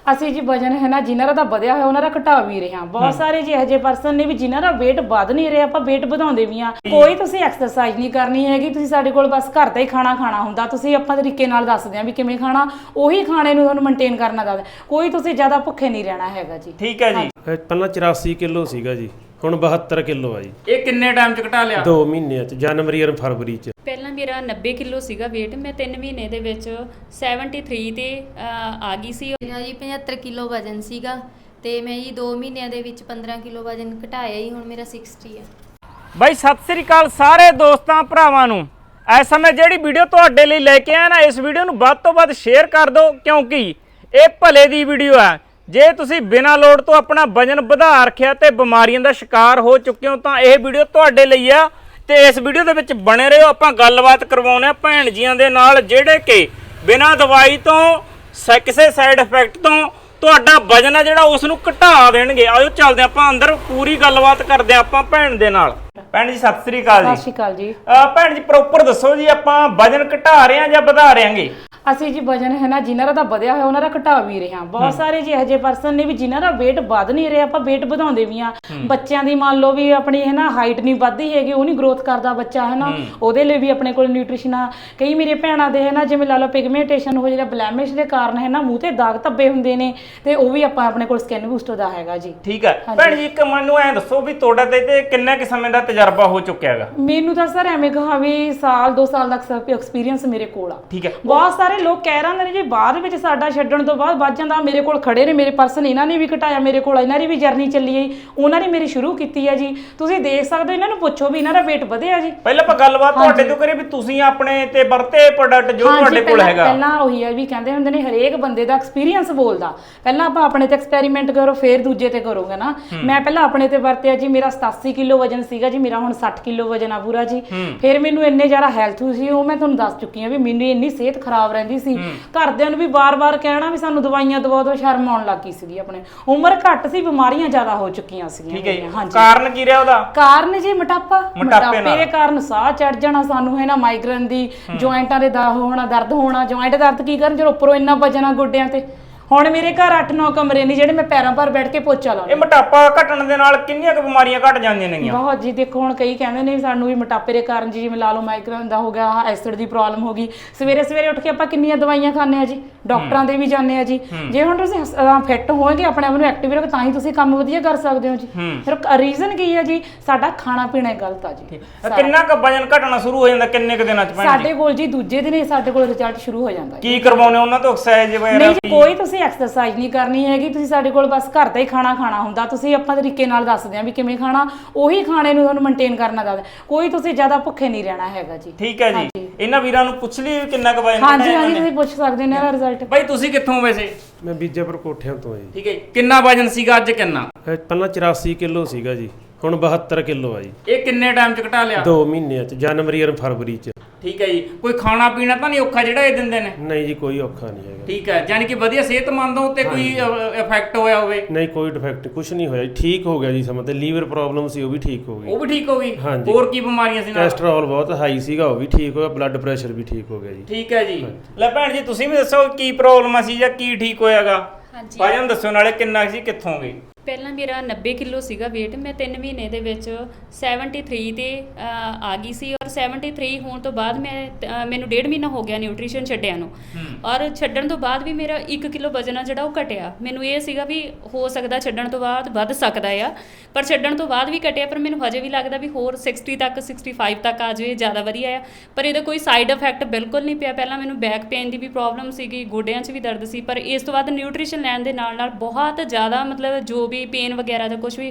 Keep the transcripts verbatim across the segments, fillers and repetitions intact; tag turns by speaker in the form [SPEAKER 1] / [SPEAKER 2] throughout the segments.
[SPEAKER 1] ਅਸੀਂ ਜੀ ਵਜਨ ਹੈ ਨਾ ਜਿਨ੍ਹਾਂ ਦਾ ਵਧਿਆ ਹੋਇਆ ਉਹਨਾਂ ਦਾ ਘਟਾ ਵੀ ਰਹੇ ਹਾਂ। ਬਹੁਤ ਸਾਰੇ ਜੀ ਇਹੋ ਜਿਹੇ ਪਰਸਨ ਨੇ ਵੀ ਜਿਨ੍ਹਾਂ ਦਾ weight ਵੱਧ ਨਹੀਂ ਰਿਹਾ, ਆਪਾਂ weight ਵਧਾਉਂਦੇ ਵੀ ਆ। ਕੋਈ ਤੁਸੀਂ ਐਕਸਰਸਾਈਜ਼ ਨਹੀਂ ਕਰਨੀ ਹੈਗੀ, ਤੁਸੀਂ ਸਾਡੇ ਕੋਲ ਬਸ ਘਰ ਦਾ ਹੀ ਖਾਣਾ ਖਾਣਾ ਹੁੰਦਾ। ਤੁਸੀਂ ਆਪਾਂ ਤਰੀਕੇ ਨਾਲ ਦੱਸਦੇ ਆ ਵੀ ਕਿਵੇਂ ਖਾਣਾ, ਉਹੀ ਖਾਣੇ ਨੂੰ ਤੁਹਾਨੂੰ ਮੇਨਟੇਨ ਕਰਨਾ ਦੱਸਦੇ। ਕੋਈ ਤੁਸੀਂ ਜ਼ਿਆਦਾ ਭੁੱਖੇ ਨਹੀਂ ਰਹਿਣਾ ਹੈਗਾ ਜੀ।
[SPEAKER 2] ਠੀਕ ਹੈ ਜੀ।
[SPEAKER 3] ਪਹਿਲਾਂ ਚੁਰਾਸੀ ਕਿਲੋ ਸੀਗਾ ਜੀ, ਹੁਣ ਬਹੱਤਰ ਕਿਲੋ ਆ ਜੀ।
[SPEAKER 2] ਇਹ ਕਿੰਨੇ ਟਾਈਮ ਚ ਘਟਾ ਲਿਆ?
[SPEAKER 3] ਦੋ ਮਹੀਨਿਆਂ ਚ, ਜਨਵਰੀ ਔਰ ਫਰਵਰੀ ਚ।
[SPEAKER 4] ਪਹਿਲਾਂ ਮੇਰਾ ਨੱਬੇ ਕਿਲੋ ਸੀਗਾ weight, ਮੈਂ ਤਿੰਨ ਮਹੀਨੇ ਦੇ ਵਿੱਚ ਤਿਹੱਤਰ ਤੇ ਆ ਗਈ ਸੀ।
[SPEAKER 5] ਮੇਰਾ ਜੀ ਪਝੱਤਰ ਕਿਲੋ ਵਜ਼ਨ ਸੀਗਾ ਤੇ ਮੈਂ ਜੀ ਦੋ ਮਹੀਨਿਆਂ ਦੇ ਵਿੱਚ ਪੰਦਰਾਂ ਕਿਲੋ ਵਜ਼ਨ ਘਟਾਇਆ ਜੀ, ਹੁਣ ਮੇਰਾ ਸਾਠ ਹੈ।
[SPEAKER 2] ਬਾਈ ਸਤਿ ਸ੍ਰੀ ਅਕਾਲ ਸਾਰੇ ਦੋਸਤਾਂ ਭਰਾਵਾਂ ਨੂੰ। ਇਸ ਸਮੇਂ ਜਿਹੜੀ ਵੀਡੀਓ ਤੁਹਾਡੇ ਲਈ ਲੈ ਕੇ ਆਇਆ ਨਾ, ਇਸ ਵੀਡੀਓ ਨੂੰ ਵੱਧ ਤੋਂ ਵੱਧ ਸ਼ੇਅਰ ਕਰ ਦਿਓ, ਕਿਉਂਕਿ ਇਹ ਭਲੇ ਦੀ ਵੀਡੀਓ ਹੈ। ਜੇ ਤੁਸੀਂ ਬਿਨਾਂ ਲੋੜ ਤੋਂ ਆਪਣਾ ਵਜਨ ਵਧਾ ਰੱਖਿਆ ਤੇ ਬਿਮਾਰੀਆਂ ਦਾ ਸ਼ਿਕਾਰ ਹੋ ਚੁੱਕੇ ਹੋ ਤਾਂ ਇਹ ਵੀਡੀਓ ਤੁਹਾਡੇ ਲਈ ਆ। ਤੇ ਇਸ ਵੀਡੀਓ ਦੇ ਵਿੱਚ ਬਣੇ ਰਹੋ। ਆਪਾਂ ਗੱਲਬਾਤ ਕਰਵਾਉਂਦੇ ਆ ਭੈਣ ਜੀਆਂ ਦੇ ਨਾਲ, ਜਿਹੜੇ ਕਿ ਬਿਨਾਂ ਦਵਾਈ ਤੋਂ ਕਿਸੇ ਸਾਈਡ ਇਫੈਕਟ ਤੋਂ ਤੁਹਾਡਾ ਵਜਨ ਆ ਜਿਹੜਾ ਉਸ ਨੂੰ ਘਟਾ ਦੇਣਗੇ। ਆਜੋ ਚੱਲਦੇ ਆਪਾਂ ਅੰਦਰ, ਪੂਰੀ ਗੱਲਬਾਤ ਕਰਦੇ ਆ ਆਪਾਂ ਭੈਣ ਦੇ ਨਾਲ। ਭੈਣ ਜੀ ਸਤਿ ਸ੍ਰੀ ਅਕਾਲ ਜੀ।
[SPEAKER 1] ਸਤਿ ਸ਼੍ਰੀ ਅਕਾਲ ਜੀ।
[SPEAKER 2] ਭੈਣ ਜੀ ਪ੍ਰੋਪਰ ਦੱਸੋ ਜੀ, ਆਪਾਂ ਵਜਨ ਘਟਾ ਰਹੇ ਆ ਜਾਂ ਵਧਾ ਰਹੇ ਆਂਗੇ?
[SPEAKER 1] ਅਸੀਂ ਜੀ ਵਜਨ ਹੈ ਨਾ ਜਿਨ੍ਹਾਂ ਦਾ ਵਧਿਆ ਹੋਇਆ ਉਹਨਾਂ ਦਾ ਘਟਾ ਵੀ ਰਹੇ ਹਾਂ। ਬਹੁਤ ਸਾਰੇ ਜੀ ਇਹੋ ਜਿਹੇ ਪਰਸਨ ਨੇ ਵੀ ਜਿਨ੍ਹਾਂ ਦਾ weight ਵੱਧ ਨਹੀਂ ਰਿਹਾ, ਆਪਾਂ weight ਵਧਾਉਂਦੇ ਵੀ ਆ। ਬੱਚਿਆਂ ਦੀ ਮੰਨ ਲਓ ਵੀ ਆਪਣੀ ਹੈ ਨਾ ਹਾਈਟ ਨਹੀਂ ਵੱਧਦੀ ਹੈਗੀ, ਉਹ ਨਹੀਂ ਗਰੋਥ ਕਰਦਾ ਬੱਚਾ ਹੈ ਨਾ, ਉਹਦੇ ਲਈ ਵੀ ਆਪਣੇ ਕੋਲ ਨਿਊਟ੍ਰੀਸ਼ਨ ਆ। ਕਈ ਮੇਰੇ ਭੈਣਾਂ ਦੇ ਹੈ ਨਾ ਜਿਵੇਂ ਲਾ ਲਓ ਪਿਗਮੈਂਟੇਸ਼ਨ ਹੋ ਜਿਹੜਾ ਬਲੈਮਿਸ਼ ਦੇ ਕਾਰਨ ਹੈ ਨਾ ਮੂੰਹ ਤੇ ਦਾਗ ਧੱਬੇ ਹੁੰਦੇ ਨੇ, ਤੇ ਉਹ ਵੀ ਆਪਾਂ ਆਪਣੇ ਕੋਲ ਸਕਿਨ ਬੂਸਟਰ ਦਾ ਹੈਗਾ ਜੀ।
[SPEAKER 2] ਠੀਕ ਹੈ ਭੈਣ ਜੀ, ਇੱਕ ਮੈਨੂੰ ਐਂ ਦੱਸੋ ਵੀ ਤੁਹਾਡਾ ਤੇ ਕਿੰਨੇ ਕਿ ਸਮੇਂ ਦਾ ਤਜਰਬਾ ਹੋ ਚੁੱਕਿਆ ਹੈਗਾ?
[SPEAKER 1] ਮੈਨੂੰ ਤਾਂ ਸਰ ਐਵੇਂ ਕਹਾ ਵੀ ਸਾਲ ਦੋ ਸਾਲ ਦਾ ਐਕਸਪੀਰੀਅੰਸ ਮੇਰੇ ਕੋਲ ਆ।
[SPEAKER 2] ਠੀਕ ਹੈ।
[SPEAKER 1] ਬਹੁਤ ਸਾਰੇ ਲੋਕ ਕਹਿ ਰਹੇ ਨੇ ਜੀ ਬਾਅਦ ਵਿੱਚ ਸਾਡਾ ਛੱਡਣ ਤੋਂ ਬਾਅਦ ਵੱਧ ਜਾਂਦਾ। ਮੇਰੇ ਕੋਲ ਖੜੇ ਨੇ ਮੇਰੇ ਪਰਸਨ, ਇਹਨਾਂ ਨੇ ਵੀ ਘਟਾਇਆ, ਮੇਰੇ ਕੋਲ ਇਹਨਾਂ ਦੀ ਵੀ ਜਰਨੀ ਚੱਲੀ ਹੈ, ਉਹਨਾਂ ਨੇ ਮੇਰੀ ਸ਼ੁਰੂ ਕੀਤੀ ਹੈ ਜੀ। ਤੁਸੀਂ ਦੇਖ ਸਕਦੇ ਹੋ, ਇਹਨਾਂ ਨੂੰ ਪੁੱਛੋ ਵੀ ਇਹਨਾਂ ਦਾ weight ਵਧਿਆ ਜੀ।
[SPEAKER 2] ਪਹਿਲਾਂ ਆਪਾਂ ਗੱਲਬਾਤ ਤੁਹਾਡੇ ਤੋਂ ਕਰੀਏ ਵੀ ਤੁਸੀਂ ਆਪਣੇ ਤੇ ਵਰਤੇ ਪ੍ਰੋਡਕਟ ਜੋ ਤੁਹਾਡੇ ਕੋਲ ਹੈਗਾ।
[SPEAKER 1] ਪਹਿਲਾਂ ਉਹੀ ਹੈ ਵੀ ਕਹਿੰਦੇ ਹੁੰਦੇ ਨੇ ਹਰੇਕ ਬੰਦੇ ਦਾ ਐਕਸਪੀਰੀਅੰਸ ਬੋਲਦਾ। ਪਹਿਲਾਂ ਆਪਾਂ ਆਪਣੇ ਤੇ ਐਕਸਪੈਰੀਮੈਂਟ ਕਰੋ, ਫਿਰ ਦੂਜੇ ਤੇ ਕਰੋਗੇ ਨਾ। ਮੈਂ ਪਹਿਲਾਂ ਆਪਣੇ ਤੇ ਵਰਤਿਆ ਜੀ। ਮੇਰਾ ਸਤਾਸੀ ਕਿਲੋ ਵਜਨ ਸੀਗਾ ਜੀ, ਮੇਰਾ ਹੁਣ ਸੱਠ ਕਿਲੋ ਵਜਨ ਆ ਪੂਰਾ ਜੀ। ਫਿਰ ਮੈਨੂੰ ਇੰਨੇ ਜ਼ਿਆਦਾ ਹੈਲਥ ਸੀ, ਉਹ ਮੈਂ ਤੁਹਾਨੂੰ ਦੱਸ ਚੁੱਕੀ ਹਾਂ ਵੀ ਮੈਨੂੰ ਇੰਨੀ ਸਿਹਤ ਖਰਾਬ ਰਹਿੰਦੀ ਸੀ। ਘਰਦਿਆਂ ਨੂੰ ਵੀ ਬਾਰ-ਬਾਰ ਕਹਿਣਾ ਵੀ ਸਾਨੂੰ ਦਵਾਈਆਂ ਦਵਾ ਦਿਓ, ਸ਼ਰਮ ਆਉਣ ਲੱਗੀ ਸੀਗੀ। ਆਪਣੇ ਉਮਰ ਘੱਟ ਸੀ, ਬਿਮਾਰੀਆਂ ਜ਼ਿਆਦਾ ਹੋ ਚੁੱਕੀਆਂ ਸੀਗੀਆਂ।
[SPEAKER 2] ਠੀਕ ਹੈ ਜੀ। ਕਾਰਨ ਕੀ ਰਿਹਾ ਉਹਦਾ?
[SPEAKER 1] ਕਾਰਨ ਜੀ ਮੋਟਾਪਾ। ਮੋਟਾਪੇ ਦੇ ਕਾਰਨ ਸਾਹ ਚੜ ਜਾਣਾ ਸਾਨੂੰ ਹੈ ਨਾ, ਮਾਈਗ੍ਰੇਨ ਦੀ, ਜੁਆਇੰਟਾਂ ਦੇ ਦਾ ਹੋਣਾ, ਦਰਦ ਹੋਣਾ। ਜੁਆਇੰਟ ਦਰਦ ਕੀ ਕਰਨ ਜਦੋਂ ਉੱਪਰੋਂ ਇੰਨਾ ਵਜਨ ਆ ਗੋਡਿਆਂ ਤੇ। ਹੁਣ ਮੇਰੇ ਘਰ ਅੱਠ ਨੌ ਕਮਰੇ ਨੇ ਜਿਹੜੇ ਮੈਂ ਪੈਰਾਂ ਭਰ ਬੈਠ ਕੇ ਪੋਚਾ ਲਾਉਂਦੀ।
[SPEAKER 2] ਇਹ ਮੋਟਾਪਾ ਘਟਣ ਦੇ ਨਾਲ ਕਿੰਨੀਆਂ ਕੁ ਬਿਮਾਰੀਆਂ ਘਟ ਜਾਂਦੀਆਂ ਨੇਗੀਆਂ?
[SPEAKER 1] ਬਹੁਤ ਜੀ। ਦੇਖੋ ਹੁਣ ਕਈ ਕਹਿੰਦੇ ਨੇ ਸਾਨੂੰ ਵੀ ਮੋਟਾਪੇ ਦੇ ਕਾਰਨ ਜੀ ਜਿਵੇਂ ਲਾ ਲਓ ਮਾਈਗ੍ਰੇਨ ਦਾ ਹੋ ਗਿਆ, ਐਸਿਡ ਦੀ ਪ੍ਰੋਬਲਮ ਹੋ ਗਈ। ਸਵੇਰੇ ਸਵੇਰੇ ਉੱਠ ਕੇ ਆਪਾਂ ਕਿੰਨੀਆਂ ਦਵਾਈਆਂ ਖਾਂਦੇ ਆ ਜੀ, ਡਾਕਟਰਾਂ ਦੇ ਵੀ ਜਾਂਦੇ ਆ ਜੀ। ਜੇ ਹੁਣ ਤੁਸੀਂ ਫਿੱਟ ਹੋਵੋਗੇ, ਆਪਣੇ ਆਪ ਨੂੰ ਐਕਟਿਵ ਰੱਖੋ, ਤਾਂ ਹੀ ਤੁਸੀਂ ਕੰਮ ਵਧੀਆ ਕਰ ਸਕਦੇ ਹੋ ਜੀ। ਫਿਰ ਰੀਜ਼ਨ ਕੀ ਹੈ ਜੀ? ਸਾਡਾ ਖਾਣਾ ਪੀਣਾ ਗਲਤ ਆ ਜੀ।
[SPEAKER 2] ਕਿੰਨਾ ਕੁ ਵਜਨ ਘਟਣਾ ਸ਼ੁਰੂ ਹੋ ਜਾਂਦਾ ਕਿੰਨੇ ਕੁ ਦਿਨਾਂ ਚ?
[SPEAKER 1] ਸਾਡੇ ਕੋਲ ਜੀ ਦੂਜੇ ਦਿਨ ਹੀ ਸਾਡੇ ਕੋਲ ਰਿਜ਼ਲਟ ਸ਼ੁਰੂ ਹੋ ਜਾਂਦਾ।
[SPEAKER 2] ਕੀ ਕਰਵਾਉਣੇ ਉਹਨਾਂ ਤੋਂ? ਐਕਸਰਸਾਈਜ਼ ਵਗੈਰਾ?
[SPEAKER 1] ਨਹੀਂ ਜੀ, ਕੋਈ ਤੁਸੀਂ ਐਕਸਰਸਾਈਜ਼ ਨਹੀਂ ਕਰਨੀ ਹੈਗੀ, ਤੁਸੀਂ ਸਾਡੇ ਕੋਲ ਬਸ ਘਰ ਦਾ ਹੀ ਖਾਣਾ ਖਾਣਾ ਹੁੰਦਾ। ਤੁਸੀਂ ਆਪਾਂ ਤਰੀਕੇ ਨਾਲ ਦੱਸਦੇ ਆ ਵੀ ਕਿਵੇਂ ਖਾਣਾ, ਉਹੀ ਖਾਣੇ ਨੂੰ ਤੁਹਾਨੂੰ ਮੇਨਟੇਨ ਕਰਨਾ ਦੱਸਦੇ। ਕੋਈ ਤੁਸੀਂ ਜ਼ਿਆਦਾ ਭੁੱਖੇ ਨਹੀਂ ਰਹਿਣਾ ਹੈਗਾ ਜੀ।
[SPEAKER 2] ਠੀਕ ਹੈ ਜੀ। ਇਹਨਾਂ ਵੀਰਾਂ ਨੂੰ ਪੁੱਛ ਲਈ ਕਿੰਨਾ ਕੁ ਵਜਨ?
[SPEAKER 1] ਹਾਂਜੀ ਹਾਂਜੀ, ਤੁਸੀਂ ਪੁੱਛ ਸਕਦੇ ਹੋ ਇਹਨਾਂ ਦਾ ਰਿਜ਼ਲਟ।
[SPEAKER 2] ਬਾਈ ਤੁਸੀਂ ਕਿੱਥੋਂ ਵੈਸੇ?
[SPEAKER 3] ਮੈਂ ਬੀਜਾਪੁਰ ਕੋਠਿਆਂ ਤੋਂ ਆ ਜੀ।
[SPEAKER 2] ਠੀਕ ਹੈ। ਕਿੰਨਾ ਵਜਨ ਸੀਗਾ ਅੱਜ ਕਿੰਨਾ?
[SPEAKER 3] ਪਹਿਲਾਂ ਚੁਰਾਸੀ ਕਿਲੋ ਸੀਗਾ ਜੀ, ਹੁਣ ਬਹੱਤਰ ਕਿਲੋ ਆ ਜੀ।
[SPEAKER 2] ਇਹ ਕਿੰਨੇ ਟਾਈਮ ਚ ਘਟਾ ਲਿਆ?
[SPEAKER 3] ਦੋ ਮਹੀਨਿਆਂ ਚ, ਜਨਵਰੀ ਔਰ ਫਰਵਰੀ ਚ।
[SPEAKER 2] ਠੀਕ ਹੈ ਜੀ। ਕੋਈ ਖਾਣਾ ਪੀਣਾ ਤਾਂ ਨਹੀਂ ਔਖਾ ਜਿਹੜਾ ਇਹ ਦਿੰਦੇ ਨੇ?
[SPEAKER 3] ਨਹੀਂ ਜੀ, ਕੋਈ ਔਖਾ ਨਹੀਂ ਹੈਗਾ।
[SPEAKER 2] ਠੀਕ ਹੈ, ਯਾਨੀ ਕਿ ਵਧੀਆ ਸਿਹਤਮੰਦ ਹੋ ਤੇ ਕੋਈ ਇਫੈਕਟ ਹੋਇਆ ਹੋਵੇ?
[SPEAKER 3] ਨਹੀਂ, ਕੋਈ ਡਿਫੈਕਟ ਕੁਝ ਨਹੀਂ ਹੋਇਆ ਜੀ, ਠੀਕ ਹੋ ਗਿਆ ਜੀ। ਸਮਾਂ ਤੇ ਲੀਵਰ ਪ੍ਰੋਬਲਮ ਸੀ ਉਹ ਵੀ ਠੀਕ ਹੋ ਗਈ।
[SPEAKER 2] ਉਹ ਵੀ ਠੀਕ ਹੋ ਗਈ?
[SPEAKER 3] ਹਾਂਜੀ।
[SPEAKER 2] ਹੋਰ ਕੀ ਬਿਮਾਰੀਆਂ ਸੀ ਨਾਲ?
[SPEAKER 3] ਕੋਲੇਸਟ੍ਰੋਲ ਬਹੁਤ ਹਾਈ ਸੀਗਾ, ਉਹ ਵੀ ਠੀਕ ਹੋਇਆ। ਬਲੱਡ ਪ੍ਰੈਸ਼ਰ ਵੀ ਠੀਕ ਹੋ ਗਿਆ ਜੀ।
[SPEAKER 2] ਠੀਕ ਹੈ ਜੀ। ਲੈ ਭੈਣ ਜੀ ਤੁਸੀਂ ਵੀ ਦੱਸੋ ਕੀ ਪ੍ਰੋਬਲਮ ਸੀ ਜਾਂ ਕੀ ਠੀਕ ਹੋਇਆਗਾ?
[SPEAKER 4] ਹਾਂਜੀ।
[SPEAKER 2] ਵਜਨ ਦੱਸੋ ਨਾਲੇ ਕਿੰਨਾ ਸੀ, ਕਿੱਥੋਂ ਗਈ?
[SPEAKER 4] ਪਹਿਲਾਂ ਮੇਰਾ ਨੱਬੇ ਕਿਲੋ ਸੀਗਾ weight, ਮੈਂ ਤਿੰਨ ਮਹੀਨੇ ਦੇ ਵਿੱਚ ਤਿਹੱਤਰ ਤੇ ਆ ਗਈ ਸੀ। ਔਰ ਤਿਹੱਤਰ ਹੋਣ ਤੋਂ ਬਾਅਦ ਮੈਂ ਮੈਨੂੰ ਡੇਢ ਮਹੀਨਾ ਹੋ ਗਿਆ ਨਿਊਟ੍ਰੀਸ਼ਨ ਛੱਡਿਆ ਨੂੰ। ਔਰ ਛੱਡਣ ਤੋਂ ਬਾਅਦ ਵੀ ਮੇਰਾ ਇੱਕ ਕਿਲੋ ਵਜਨ ਆ ਜਿਹੜਾ ਉਹ ਘਟਿਆ। ਮੈਨੂੰ ਇਹ ਸੀਗਾ ਵੀ ਹੋ ਸਕਦਾ ਛੱਡਣ ਤੋਂ ਬਾਅਦ ਵੱਧ ਸਕਦਾ ਆ, ਪਰ ਛੱਡਣ ਤੋਂ ਬਾਅਦ ਵੀ ਘਟਿਆ। ਪਰ ਮੈਨੂੰ ਹਜੇ ਵੀ ਲੱਗਦਾ ਵੀ ਹੋਰ ਸਿਕਸਟੀ ਤੱਕ ਸਿਕਸਟੀ ਫਾਈਵ ਤੱਕ ਆ ਜਾਵੇ ਜ਼ਿਆਦਾ ਵਧੀਆ ਆ। ਪਰ ਇਹਦਾ ਕੋਈ ਸਾਈਡ ਇਫੈਕਟ ਬਿਲਕੁਲ ਨਹੀਂ ਪਿਆ। ਪਹਿਲਾਂ ਮੈਨੂੰ ਬੈਕ ਪੇਨ ਦੀ ਵੀ ਪ੍ਰੋਬਲਮ ਸੀਗੀ, ਗੋਡਿਆਂ 'ਚ ਵੀ ਦਰਦ ਸੀ, ਪਰ ਇਸ ਤੋਂ ਬਾਅਦ ਨਿਊਟ੍ਰੀਸ਼ਨ ਲੈਣ ਦੇ ਨਾਲ ਨਾਲ ਬਹੁਤ ਜ਼ਿਆਦਾ ਮਤਲਬ ਜੋ ਵੀ ਪੇਨ ਵਗੈਰਾ ਦਾ ਕੁਝ ਵੀ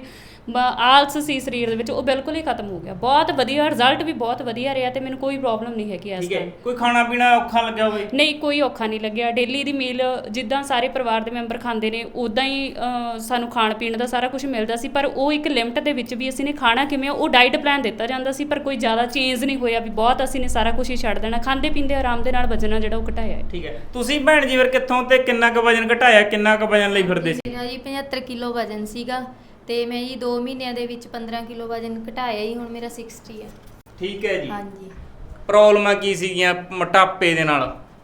[SPEAKER 4] ਆਲਸ ਸੀ ਸਰੀਰ ਦੇ ਵਿੱਚ ਉਹ ਬਿਲਕੁਲ ਹੀ ਖਤਮ ਹੋ ਗਿਆ। ਬਹੁਤ ਵਧੀਆ ਰਿਜ਼ਲਟ ਵੀ ਬਹੁਤ ਵਧੀਆ ਰਿਹਾ ਤੇ ਮੈਨੂੰ ਕੋਈ ਪ੍ਰੋਬਲਮ ਨਹੀਂ ਹੈਗੀ ਇਸ ਟਾਈਮ।
[SPEAKER 2] ਕੋਈ ਖਾਣਾ ਪੀਣਾ ਔਖਾ ਲੱਗਿਆ ਹੋਵੇ?
[SPEAKER 4] ਨਹੀਂ, ਕੋਈ ਔਖਾ ਨਹੀਂ ਲੱਗਿਆ। ਡੇਲੀ ਦੀ ਮੀਲ ਜਿੱਦਾਂ ਸਾਰੇ ਪਰਿਵਾਰ ਦੇ ਮੈਂਬਰ ਖਾਂਦੇ ਨੇ ਉਦਾਂ ਹੀ ਸਾਨੂੰ ਖਾਣ ਪੀਣ ਦਾ ਸਾਰਾ ਕੁਝ ਮਿਲਦਾ ਸੀ, ਪਰ ਉਹ ਇੱਕ ਲਿਮਟ ਦੇ ਵਿੱਚ ਵੀ ਅਸੀਂ ਨੇ ਖਾਣਾ ਕਿਵੇਂ ਉਹ ਡਾਈਟ ਪਲਾਨ ਦਿੱਤਾ ਜਾਂਦਾ ਸੀ। ਪਰ ਕੋਈ ਜ਼ਿਆਦਾ ਚੇਂਜ ਨਹੀਂ ਹੋਇਆ ਵੀ ਬਹੁਤ ਅਸੀਂ ਨੇ ਸਾਰਾ ਕੁਝ ਹੀ ਛੱਡ ਦੇਣਾ। ਖਾਂਦੇ ਪੀਂਦੇ ਆਰਾਮ ਦੇ ਨਾਲ ਵਜਨ ਜਿਹੜਾ ਉਹ ਘਟਾਇਆ ਹੈ।
[SPEAKER 2] ਠੀਕ ਹੈ। ਤੁਸੀਂ ਭੈਣ ਜੀ ਫਿਰ ਕਿੱਥੋਂ ਤੇ ਕਿੰਨਾ ਕੁ ਵਜਨ ਘਟਾਇਆ, ਕਿੰਨਾ ਕੁ ਵਜਨ ਲਈ ਫਿਰਦੇ ਸੀ?
[SPEAKER 5] ਮੇਰਾ ਜੀ ਪਝੱਤਰ ਕਿਲੋ ਵਜ਼ਨ ਸੀਗਾ ਤੇ ਮੈਂ ਜੀ ਦੋ ਮਹੀਨਿਆਂ ਦੇ ਵਿੱਚ ਪੰਦਰਾਂ ਕਿਲੋ ਵਜ਼ਨ ਘਟਾਇਆ ਜੀ, ਹੁਣ ਮੇਰਾ ਸਾਠ ਹੈ।
[SPEAKER 2] ਠੀਕ ਹੈ ਜੀ।
[SPEAKER 5] ਹਾਂਜੀ।
[SPEAKER 2] ਪ੍ਰੋਬਲਮਾਂ ਕੀ ਸੀਗੀਆਂ ਮੋਟਾਪੇ ਦੇ ਨਾਲ?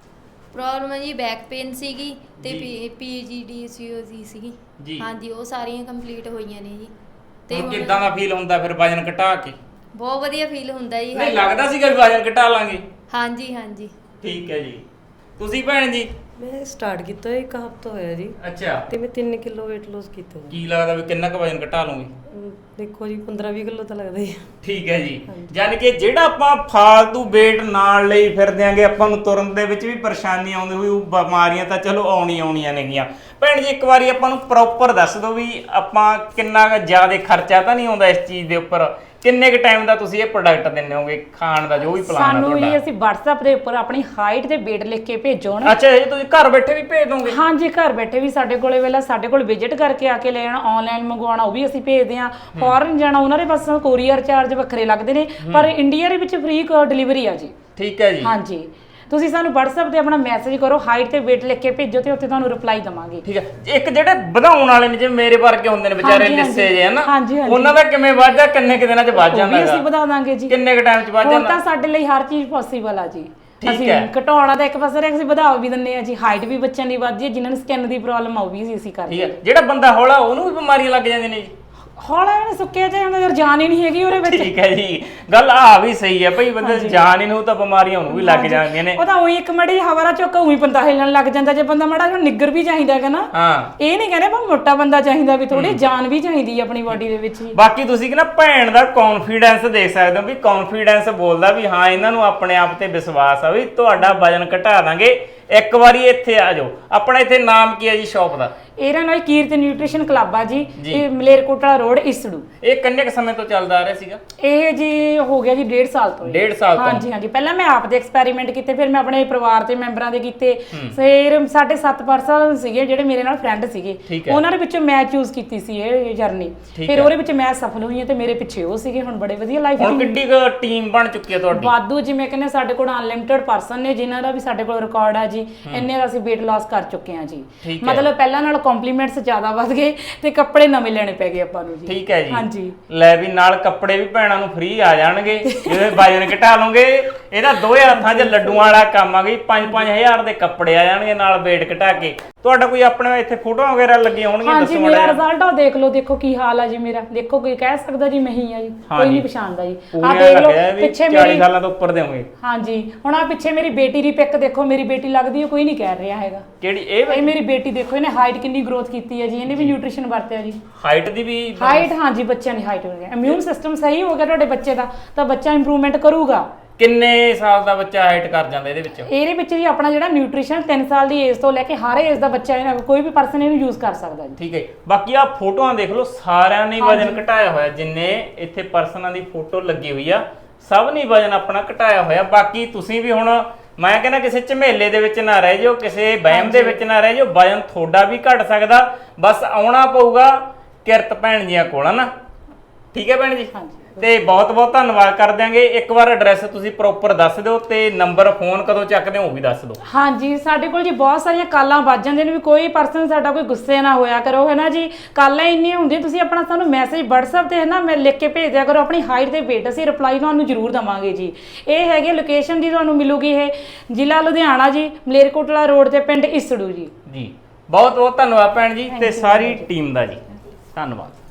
[SPEAKER 5] ਪ੍ਰੋਬਲਮ ਹੈ ਜੀ ਬੈਕ ਪੇਨ ਸੀਗੀ ਤੇ
[SPEAKER 2] ਜੀ।
[SPEAKER 5] ਪੀਜੀਡੀਸੀਓ ਦੀ ਸੀਗੀ
[SPEAKER 2] ਜੀ।
[SPEAKER 5] ਹਾਂਜੀ ਉਹ ਸਾਰੀਆਂ ਕੰਪਲੀਟ ਹੋਈਆਂ ਨੇ ਜੀ
[SPEAKER 2] ਹੁਣ
[SPEAKER 5] ਹੁਣ
[SPEAKER 2] ਕਿੱਦਾਂ ਦਾ ਫੀਲ ਹੁੰਦਾ ਫਿਰ ਵਜਨ ਘਟਾ ਕੇ?
[SPEAKER 5] ਬਹੁਤ ਵਧੀਆ ਫੀਲ ਹੁੰਦਾ ਜੀ
[SPEAKER 2] ਨਹੀਂ ਲੱਗਦਾ ਸੀਗਾ ਵੀ ਵਜਨ ਘਟਾ ਲਾਂਗੇ?
[SPEAKER 5] ਹਾਂਜੀ ਹਾਂਜੀ
[SPEAKER 2] ਠੀਕ ਹੈ ਜੀ। ਤੁਸੀਂ ਭੈਣ ਜੀ?
[SPEAKER 6] ਮੈਂ ਸਟਾਰਟ ਕੀਤਾ ਇੱਕ ਹਫ਼ਤਾ ਹੋਇਆ ਜੀ
[SPEAKER 2] ਅੱਛਾ,
[SPEAKER 6] ਤੇ ਮੈਂ ਤਿੰਨ ਕਿਲੋ weight loss ਕੀਤਾ ਜੀ।
[SPEAKER 2] ਕੀ ਲੱਗਦਾ ਵੀ ਕਿੰਨਾ ਕੁ ਵਜਨ ਘਟਾ ਲਓਗੇ?
[SPEAKER 6] ਅਮ, ਦੇਖੋ ਜੀ ਪੰਦਰਾਂ ਵੀਹ ਕਿਲੋ ਤਾਂ ਲੱਗਦਾ ਹੀ ਆ।
[SPEAKER 2] ਠੀਕ ਹੈ ਜੀ। ਯਾਨੀ ਕਿ ਜਿਹੜਾ ਆਪਾਂ ਫਾਲਤੂ weight ਨਾਲ ਲਈ ਫਿਰਦੇ ਆਂਗੇ, ਆਪਾਂ ਨੂੰ ਤੁਰਨ ਦੇ ਵਿੱਚ ਵੀ ਪਰੇਸ਼ਾਨੀ ਆਉਂਦੀ ਹੋਈ, ਉਹ ਬਿਮਾਰੀਆਂ ਤਾਂ ਚਲੋ ਆਉਣੀ ਆਉਣੀਆਂ ਨੇਗੀਆਂ। ਭੈਣ ਜੀ ਇੱਕ ਵਾਰੀ ਆਪਾਂ ਨੂੰ ਪ੍ਰੋਪਰ ਦੱਸ ਦਿਓ ਵੀ ਆਪਾਂ ਕਿੰਨਾ ਕੁ ਜ਼ਿਆਦਾ ਖਰਚਾ ਤਾਂ ਨਹੀਂ ਆਉਂਦਾ ਇਸ ਚੀਜ਼ ਦੇ ਉੱਪਰ? ਕਿੰਨੇ ਕੁ ਟਾਈਮ ਦਾ ਤੁਸੀਂ ਇਹ ਪ੍ਰੋਡਕਟ ਦਿੰਦੇ ਹੋਗੇ ਖਾਣ ਦਾ, ਜੋ ਵੀ ਪਲਾਨ ਹੈ
[SPEAKER 1] ਸਾਨੂੰ
[SPEAKER 2] ਤੁਹਾਡਾ?
[SPEAKER 1] ਜੀ ਅਸੀਂ WhatsApp ਦੇ ਉੱਪਰ ਆਪਣੀ ਹਾਈਟ ਤੇ weight ਲਿਖ ਕੇ ਭੇਜੋ ਨਾ।
[SPEAKER 2] ਅੱਛਾ, ਇਹ ਤੁਸੀਂ ਘਰ ਬੈਠੇ ਵੀ ਭੇਜ ਦੋਗੇ?
[SPEAKER 1] ਹਾਂਜੀ, ਘਰ ਬੈਠੇ ਵੀ ਸਾਡੇ ਕੋਲੇ ਵੇਲਾ ਸਾਡੇ ਕੋਲ ਵਿਜ਼ਿਟ ਕਰਕੇ ਆ ਕੇ ਲੈ ਜਾਣਾ, ਆਨਲਾਈਨ ਮੰਗਵਾਉਣਾ ਉਹ ਵੀ ਅਸੀਂ ਭੇਜਦੇ ਹਾਂ। ਫੋਰਨ ਜਾਣਾ ਉਹਨਾਂ ਦੇ ਬਸ ਕੋਰੀਅਰ ਚਾਰਜ ਵੱਖਰੇ ਲੱਗਦੇ ਨੇ, ਪਰ ਇੰਡੀਆ ਦੇ ਵਿੱਚ ਫ੍ਰੀ ਡਿਲੀਵਰੀ ਆ ਜੀ।
[SPEAKER 2] ਠੀਕ ਹੈ ਜੀ।
[SPEAKER 1] ਹਾਂਜੀ, ਤੁਸੀਂ ਸਾਨੂੰ WhatsApp ਤੇ ਆਪਣਾ ਮੈਸੇਜ ਕਰੋ, ਹਾਈਟ ਤੇ weight ਲਿਖ ਕੇ ਭੇਜੋ ਤੇ ਉੱਥੇ ਤੁਹਾਨੂੰ ਰਿਪਲਾਈ ਦਵਾਂਗੇ।
[SPEAKER 2] ਠੀਕ ਹੈ। ਇੱਕ ਜਿਹੜੇ ਵਧਾਉਣ ਵਾਲੇ ਨੇ ਜਿਵੇਂ ਮੇਰੇ ਵਰਗੇ ਹੁੰਦੇ ਨੇ ਵਿਚਾਰੇ
[SPEAKER 1] ਹਾਂਜੀ,
[SPEAKER 2] ਲਿੱਸੇ ਜੇ ਹਨਾ,
[SPEAKER 1] ਹਾਂਜੀ, ਹਾਂਜੀ।
[SPEAKER 2] ਉਹਨਾਂ ਦਾ ਕਿਵੇਂ ਵੱਧਦਾ, ਕਿੰਨੇ ਕਿ ਦਿਨਾਂ ਚ ਵੱਧ
[SPEAKER 1] ਉਹ
[SPEAKER 2] ਜਾਂਦਾ
[SPEAKER 1] ਵੀ ਅਸੀਂ
[SPEAKER 2] ਹੈਗਾ?
[SPEAKER 1] ਵਧਾ ਦਾਂਗੇ ਜੀ।
[SPEAKER 2] ਕਿੰਨੇ ਕ ਟਾਈਮ ਚ ਵੱਧ
[SPEAKER 1] ਹੁਣ
[SPEAKER 2] ਜਾਂਦਾ?
[SPEAKER 1] ਤਾਂ ਸਾਡੇ ਲਈ ਹਰ ਚੀਜ਼ ਪੋਸੀਬਲ ਆ ਜੀ।
[SPEAKER 2] ਠੀਕ
[SPEAKER 1] ਅਸੀਂ
[SPEAKER 2] ਹੈ।
[SPEAKER 1] ਘਟਾਉਣਾ ਤਾਂ ਇੱਕ ਪਾਸੇ ਰੱਖ, ਅਸੀਂ ਵਧਾ ਵੀ ਦਿੰਦੇ ਆ ਜੀ। ਹਾਈਟ ਵੀ ਬੱਚਿਆਂ ਦੀ ਵੱਧਦੀ ਹੈ, ਜਿਨ੍ਹਾਂ ਨੂੰ ਸਕਿਨ ਦੀ ਪ੍ਰੋਬਲਮ ਆ ਉਹ ਵੀ ਅਸੀਂ
[SPEAKER 2] ਠੀਕ
[SPEAKER 1] ਕਰਦੇ
[SPEAKER 2] ਹੈ। ਜਿਹੜਾ ਬੰਦਾ ਹੌਲਾ ਉਹਨੂੰ ਵੀ ਬਿਮਾਰੀਆਂ ਲੱਗ ਜਾਂਦੀਆਂ ਨੇ ਜੀ?
[SPEAKER 1] ਹੌਲਾ ਇਹਨੇ ਸੁੱਕਿਆ ਚਾਹੇ ਹੁੰਦਾ, ਯਾਰ ਜਾਨ ਹੀ ਨਹੀਂ ਹੈਗੀ ਉਹਦੇ ਵਿੱਚ।
[SPEAKER 2] ਠੀਕ ਹੈ ਜੀ, ਗੱਲ ਆ ਵੀ ਸਹੀ ਹੈ ਭਈ, ਬੰਦੇ ਜਾਨ ਹੀ ਨੂੰ ਤਾਂ ਬਿਮਾਰੀਆਂ ਉਹਨੂੰ ਵੀ ਲੱਗ ਜਾਂਦੀਆਂ ਨੇ।
[SPEAKER 1] ਉਹ ਤਾਂ ਉਹੀ ਇੱਕ ਮੜੀ ਹਵਾਰਾ ਚੁੱਕ ਉਹੀ ਬੰਦਾ ਹਿੱਲਣ ਲੱਗ ਜਾਂਦਾ। ਜੇ ਬੰਦਾ ਮਾੜਾ ਜਿਹਾ ਨਿੱਗਰ ਵੀ ਚਾਹੀਦਾ ਹੈਗਾ ਨਾ,
[SPEAKER 2] ਹਾਂ,
[SPEAKER 1] ਇਹ ਨਹੀਂ ਕਹਿੰਦੇ ਪਰ ਮੋਟਾ ਬੰਦਾ ਚਾਹੀਦਾ, ਵੀ ਥੋੜੀ ਜਾਨ ਵੀ ਚਾਹੀਦੀ ਹੈ ਆਪਣੀ ਬਾਡੀ ਦੇ ਵਿੱਚ ਹੀ।
[SPEAKER 2] ਬਾਕੀ ਤੁਸੀਂ ਕਿ ਨਾ ਭੈਣ ਦਾ ਕੌਨਫੀਡੈਂਸ ਦੇਖ ਸਕਦੇ ਹੋ ਵੀ ਕੌਨਫੀਡੈਂਸ ਬੋਲਦਾ ਵੀ ਹਾਂ ਇਹਨਾਂ ਨੂੰ ਆਪਣੇ ਆਪ ਤੇ ਵਿਸ਼ਵਾਸ ਆ ਵੀ ਤੁਹਾਡਾ ਵਜਨ ਘਟਾ ਦਾਂਗੇ। ਇੱਕ ਵਾਰੀ ਇੱਥੇ ਆ ਜਾਓ। ਆਪਣਾ ਇੱਥੇ ਨਾਮ ਕੀ ਹੈ ਜੀ ਸ਼ਾਪ ਦਾ?
[SPEAKER 1] ਇਹਦਾ ਨਾਲ ਕੀਰਤ ਨਿਊਟ੍ਰੀਸ਼ਨ ਕਲੱਬ ਆ ਜੀ,
[SPEAKER 2] ਜੀ।
[SPEAKER 1] ਇਹ ਮਲੇਰਕੋਟਲਾ ਰੋਡ ਇਸੜੂ।
[SPEAKER 2] ਇਹ ਕਿੰਨੇ ਕੁ ਸਮੇਂ ਤੋਂ ਚੱਲਦਾ ਆ ਰਿਹਾ ਸੀਗਾ?
[SPEAKER 1] ਇਹ ਜੀ ਹੋ ਗਿਆ ਜੀ ਡੇਢ ਸਾਲ ਤੋਂ।
[SPEAKER 2] ਡੇਢ ਸਾਲ ਤੋਂ?
[SPEAKER 1] ਹਾਂਜੀ ਹਾਂਜੀ, ਪਹਿਲਾਂ ਮੈਂ ਆਪ ਦੇ ਐਕਸਪੈਰੀਮੈਂਟ ਕੀਤੇ, ਫਿਰ ਮੈਂ ਆਪਣੇ ਪਰਿਵਾਰ ਦੇ ਮੈਂਬਰਾਂ ਦੇ ਕੀਤੇ, ਫਿਰ ਸਾਡੇ ਸੱਤ ਪਰਸਨ ਸੀਗੇ ਜਿਹੜੇ ਮੇਰੇ ਨਾਲ ਫਰੈਂਡ ਸੀਗੇ,
[SPEAKER 2] ਠੀਕ ਹੈ।
[SPEAKER 1] ਉਹਨਾਂ ਦੇ ਵਿੱਚੋਂ ਮੈਂ ਚੂਜ਼ ਕੀਤੀ ਸੀ ਇਹ ਜਰਨੀ।
[SPEAKER 2] ਠੀਕ
[SPEAKER 1] ਫਿਰ
[SPEAKER 2] ਹੈ।
[SPEAKER 1] ਉਹਦੇ ਵਿੱਚ ਮੈਂ ਸਫਲ ਹੋਈ ਹਾਂ ਤੇ ਮੇਰੇ ਪਿੱਛੇ ਉਹ ਸੀਗੇ। ਹੁਣ ਬੜੇ ਵਧੀਆ ਲਾਈਫ
[SPEAKER 2] ਹੁਣ ਕਿੱਡੀ ਕੁ ਟੀਮ ਬਣ ਚੁੱਕੀ ਹੈ ਤੁਹਾਡੀ?
[SPEAKER 1] ਵਾਧੂ, ਜਿਵੇਂ ਕਹਿੰਦੇ ਸਾਡੇ ਕੋਲ ਅਨਲਿਮਿਟਡ ਪਰਸਨ ਨੇ ਜਿਨ੍ਹਾਂ ਦਾ ਵੀ ਸਾਡੇ ਕੋਲ ਰਿਕਾਰਡ ਆ ਜੀ। ਇੰਨੇ ਦਾ ਅਸੀਂ weight loss ਕਰ ਚੁੱਕੇ ਹਾਂ ਜੀ।
[SPEAKER 2] ਠੀਕ ਹੈ।
[SPEAKER 1] ਮਤਲਬ ਪਹਿਲਾਂ ਨਾਲ ਕੰਪਲੀਮੈਂਟਸ ਜ਼ਿਆਦਾ ਵੱਧ ਗਏ ਤੇ ਕੱਪੜੇ ਨਵੇਂ ਲੈਣੇ ਪੈ ਗਏ ਆਪਾਂ ਨੂੰ ਜੀ।
[SPEAKER 2] ਠੀਕ ਹੈ ਜੀ।
[SPEAKER 1] ਹਾਂਜੀ,
[SPEAKER 2] ਲੈ ਵੀ ਨਾਲ ਕੱਪੜੇ ਵੀ ਭੈਣਾਂ ਨੂੰ ਫ੍ਰੀ ਆ ਜਾਣਗੇ ਜੇ ਵਜਨ ਘਟਾ ਲਓਗੇ। ਇਹਦਾ ਦੋਵੇਂ ਹੱਥਾਂ 'ਚ ਲੱਡੂਆਂ ਵਾਲਾ ਕੰਮ ਆ ਗਈ। ਪੰਜ ਪੰਜ ਹਜ਼ਾਰ ਦੇ ਕੱਪੜੇ ਆ ਜਾਣਗੇ ਨਾਲ weight ਘਟਾ ਕੇ। ਤੁਹਾਡਾ ਕੋਈ ਆਪਣੇ ਇੱਥੇ ਫੋਟੋਆਂ ਵਗੈਰਾ ਲੱਗੀਆਂ ਹੋਣਗੀਆਂ?
[SPEAKER 1] ਹਾਂਜੀ,
[SPEAKER 2] ਦੱਸੋ
[SPEAKER 1] ਮੇਰਾ
[SPEAKER 2] ਮਾੜਾ
[SPEAKER 1] ਰਿਜ਼ਲਟ ਆ ਦੇਖ ਲਓ, ਦੇਖੋ ਕੀ ਹਾਲ ਆ ਜੀ ਮੇਰਾ। ਦੇਖੋ ਕੋਈ ਕਹਿ ਸਕਦਾ ਜੀ ਮੈਂ ਹੀ ਆ ਜੀ,
[SPEAKER 2] ਹਾਂ
[SPEAKER 1] ਕੋਈ
[SPEAKER 2] ਜੀ।
[SPEAKER 1] ਨਹੀਂ ਪਛਾਣਦਾ ਜੀ। ਆ
[SPEAKER 2] ਪੂਰੀਆਂ
[SPEAKER 1] ਦੇਖ ਲਓ
[SPEAKER 2] ਲੱਗਿਆ ਵੀ
[SPEAKER 1] ਪਿੱਛੇ
[SPEAKER 2] ਚਾਲੀ
[SPEAKER 1] ਮੇਰੀ,
[SPEAKER 2] ਸਾਲਾਂ ਤੋਂ ਉੱਪਰ ਦੇ ਹੋਗੇ।
[SPEAKER 1] ਹਾਂਜੀ ਹੁਣ ਆ ਪਿੱਛੇ ਮੇਰੀ ਬੇਟੀ ਦੀ ਪਿਕ ਦੇਖੋ, ਮੇਰੀ ਬੇਟੀ ਲੱਗਦੀ ਹੈ, ਕੋਈ ਨਹੀਂ ਕਹਿ ਰਿਹਾ ਹੈਗਾ।
[SPEAKER 2] ਕਿਹੜੀ ਇਹ?
[SPEAKER 1] ਇਹ ਮੇਰੀ ਬੇਟੀ ਦੇਖੋ, ਇਹਨੇ ਹਾਈਟ ਕਿੰਨੀ ਗਰੋਥ ਕੀਤੀ ਹੈ ਜੀ। ਇਹਨੇ ਵੀ ਨਿਊਟ੍ਰੀਸ਼ਨ ਵਰਤਿਆ ਜੀ।
[SPEAKER 2] ਹਾਈਟ ਦੀ ਵੀ?
[SPEAKER 1] ਹਾਈਟ, ਹਾਂਜੀ ਬੱਚਿਆਂ ਦੀ ਹਾਈਟ ਹੋ ਗਈ। ਇਮਿਊਨ ਸਿਸਟਮ ਸਹੀ ਹੋ ਗਿਆ ਤੁਹਾਡੇ ਬੱਚੇ ਦਾ ਤਾਂ ਬੱਚਾ ਇੰਪਰੂਵਮੈਂਟ ਕਰੂਗਾ।
[SPEAKER 2] ਕਿੰਨੇ ਸਾਲ ਦਾ ਬੱਚਾ ਹਾਈਟ ਕਰ ਜਾਂਦਾ ਇਹਦੇ ਵਿੱਚ?
[SPEAKER 1] ਇਹਦੇ ਵਿੱਚ ਜੀ ਆਪਣਾ ਜਿਹੜਾ ਨਿਊਟ੍ਰੀਸ਼ਨ ਤਿੰਨ ਸਾਲ ਦੀ ਏਜ ਤੋਂ ਲੈ ਕੇ ਹਰ ਏਜ ਦਾ ਬੱਚਾ, ਇਹਨਾਂ ਕੋਈ ਵੀ ਪਰਸਨ ਇਹਨੂੰ ਯੂਜ਼ ਕਰ ਸਕਦਾ ਜੀ।
[SPEAKER 2] ਠੀਕ ਹੈ। ਬਾਕੀ ਆ ਫੋਟੋਆਂ ਦੇਖ ਲਓ, ਸਾਰਿਆਂ ਨੇ ਵਜਨ ਘਟਾਇਆ ਹੋਇਆ। ਜਿੰਨੇ ਇੱਥੇ ਪਰਸਨਾਂ ਦੀ ਫੋਟੋ ਲੱਗੀ ਹੋਈ ਆ, ਸਭ ਨੇ ਵਜਨ ਆਪਣਾ ਘਟਾਇਆ ਹੋਇਆ। ਬਾਕੀ ਤੁਸੀਂ ਵੀ ਹੁਣ ਮੈਂ ਕਹਿੰਦਾ ਕਿਸੇ ਝਮੇਲੇ ਦੇ ਵਿੱਚ ਨਾ ਰਹਿ ਜਾਓ, ਕਿਸੇ ਵਹਿਮ ਦੇ ਵਿੱਚ ਨਾ ਰਹਿ ਜਾਓ। ਵਜਨ ਤੁਹਾਡਾ ਵੀ ਘਟ ਸਕਦਾ, ਬਸ ਆਉਣਾ ਪਊਗਾ ਕਿਰਤ ਭੈਣ ਜੀਆਂ ਕੋਲ, ਹਨਾ? ਠੀਕ ਹੈ ਭੈਣ ਜੀ?
[SPEAKER 1] ਹਾਂਜੀ,
[SPEAKER 2] ਤੇ ਬਹੁਤ ਬਹੁਤ ਧੰਨਵਾਦ ਕਰ ਦਿਆਂਗੇ। ਇੱਕ ਵਾਰ ਐਡਰੈਸ ਤੁਸੀਂ ਪ੍ਰੋਪਰ ਦੱਸ ਦਿਓ ਤੇ ਨੰਬਰ ਫੋਨ ਕਦੋਂ ਚੱਕਦੇ ਹੋ ਉਹ ਵੀ ਦੱਸ ਦਿਓ।
[SPEAKER 1] ਹਾਂਜੀ, ਸਾਡੇ ਕੋਲ ਜੀ ਬਹੁਤ ਸਾਰੀਆਂ ਕਾਲਾਂ ਵੱਜ ਜਾਂਦੀਆਂ ਨੇ, ਵੀ ਕੋਈ ਪਰਸਨ ਸਾਡਾ ਕੋਈ ਗੁੱਸੇ ਨਾ ਹੋਇਆ ਕਰੋ, ਹੈ ਨਾ ਜੀ। ਕਾਲਾਂ ਇੰਨੀਆਂ ਹੁੰਦੀਆਂ, ਤੁਸੀਂ ਆਪਣਾ ਸਾਨੂੰ ਮੈਸੇਜ WhatsApp ਤੇ ਹੈ ਨਾ ਮੈਂ ਲਿਖ ਕੇ ਭੇਜ ਦਿਆ ਕਰੋ ਆਪਣੀ ਹਾਈਟ ਤੇ weight, ਅਸੀਂ ਰਿਪਲਾਈ ਤੁਹਾਨੂੰ ਜ਼ਰੂਰ ਦਵਾਂਗੇ ਜੀ। ਇਹ ਹੈਗੇ ਲੋਕੇਸ਼ਨ ਦੀ ਤੁਹਾਨੂੰ ਮਿਲੂਗੀ, ਇਹ ਜ਼ਿਲ੍ਹਾ ਲੁਧਿਆਣਾ ਜੀ, ਮਲੇਰਕੋਟਲਾ ਰੋਡ ਤੇ ਪਿੰਡ ਇਸੜੂ ਜੀ।
[SPEAKER 2] ਜੀ ਬਹੁਤ ਬਹੁਤ ਧੰਨਵਾਦ ਭੈਣ ਜੀ ਤੇ ਸਾਰੀ ਟੀਮ ਦਾ ਜੀ, ਧੰਨਵਾਦ।